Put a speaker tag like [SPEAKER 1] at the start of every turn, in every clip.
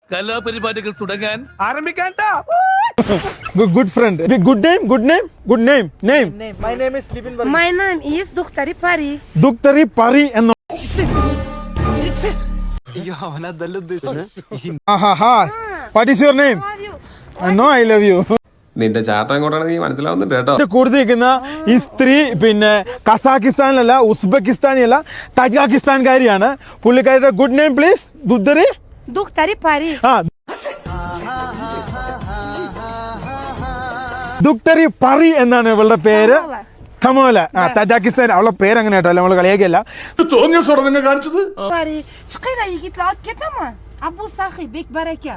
[SPEAKER 1] കലാപരിപാടികൾ തുടങ്ങാൻ ആരംഭിക്കാൻ.
[SPEAKER 2] Good friend. Good name.
[SPEAKER 3] My name is Libin Varma.
[SPEAKER 4] My name is Duktari Pari.
[SPEAKER 2] Duktari Pari and What is your name?
[SPEAKER 4] How are you?
[SPEAKER 2] I know I love you.
[SPEAKER 5] നിന്റെ ചാട്ടം എങ്ങോട്ടാണ് നീ മനസ്സിലാവുന്നുണ്ട് കേട്ടോ.
[SPEAKER 2] കൂടുതലിരിക്കുന്ന ഈ സ്ത്രീ പിന്നെ കസാക്കിസ്ഥാനിലല്ല, ഉസ്ബെക്കിസ്ഥാനിയല്ല, തജാക്കിസ്ഥാൻകാരിയാണ്. പുള്ളിക്കാരുടെ good name please.
[SPEAKER 4] Duktari Pari.
[SPEAKER 2] Duktari Pari എന്നാണ് ഇവളുടെ പേര്. കമോല. തജാക്കിസ്ഥാൻ. അവളുടെ പേര് അങ്ങനെ കേട്ടോ, നമ്മൾ കളിയാക്കിയല്ല.
[SPEAKER 5] തോന്നിയ സോടെ നിങ്ങൾ കാണിച്ചത്.
[SPEAKER 4] Pari. Çıkıyla ilgili akit ama. Abu Sahi Bek Baraka.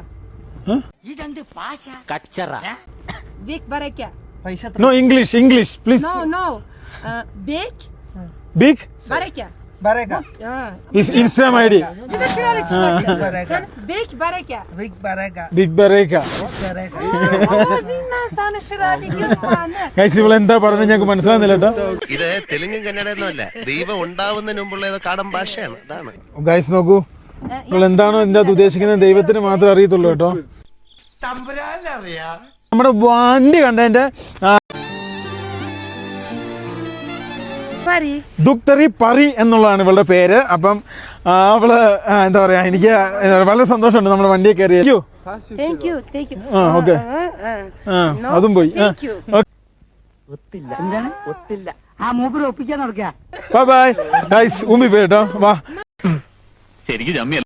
[SPEAKER 4] Bek Baraka.
[SPEAKER 2] No English please.
[SPEAKER 4] No. Bek
[SPEAKER 2] Big
[SPEAKER 4] Baraka.
[SPEAKER 3] Baraka.
[SPEAKER 2] is Instagram ID.
[SPEAKER 4] Cida çırali çıkıyor.
[SPEAKER 3] Baraka.
[SPEAKER 4] Bek Baraka.
[SPEAKER 3] Big Baraka.
[SPEAKER 2] Big Baraka.
[SPEAKER 3] Baraka.
[SPEAKER 4] Oğuzin ben sana şırali gülpanı.
[SPEAKER 2] Guys ഇവൾ എന്താ പറഞ്ഞത് ഞങ്ങൾക്ക് മനസ്സിലാകുന്നില്ല കേട്ടോ.
[SPEAKER 6] ഇത് തെലുങ്കും കന്നഡയൊന്നുമല്ല, ദൈവം ഉണ്ടാവുന്നതിന് മുമ്പുള്ള ഏതോ കാടൻ ഭാഷയാണ്. അതാണ്
[SPEAKER 2] ഗൈസ് നോക്കൂ, നിങ്ങൾ എന്താണോ ഇതിന്റെ അത് ഉദ്ദേശിക്കുന്നത് ദൈവത്തിന് മാത്രമേ അറിയത്തുള്ളൂ കേട്ടോ. നമ്മുടെ വണ്ടി കണ്ടതിന്റെ
[SPEAKER 4] Pari.
[SPEAKER 2] ദുക്തറി പറി എന്നുള്ളതാണ് ഇവളുടെ പേര്. അപ്പം അവള് എന്താ പറയാ, എനിക്ക് വളരെ സന്തോഷമുണ്ട് നമ്മുടെ വണ്ടിയെ കയറി.
[SPEAKER 4] Thank you.
[SPEAKER 2] ഓക്കെ, അതും പോയി. ബൈ ബൈ ഗൈസ്, ഊമ്പി പോയി കേട്ടോ. വാ.
[SPEAKER 1] ശരിക്കും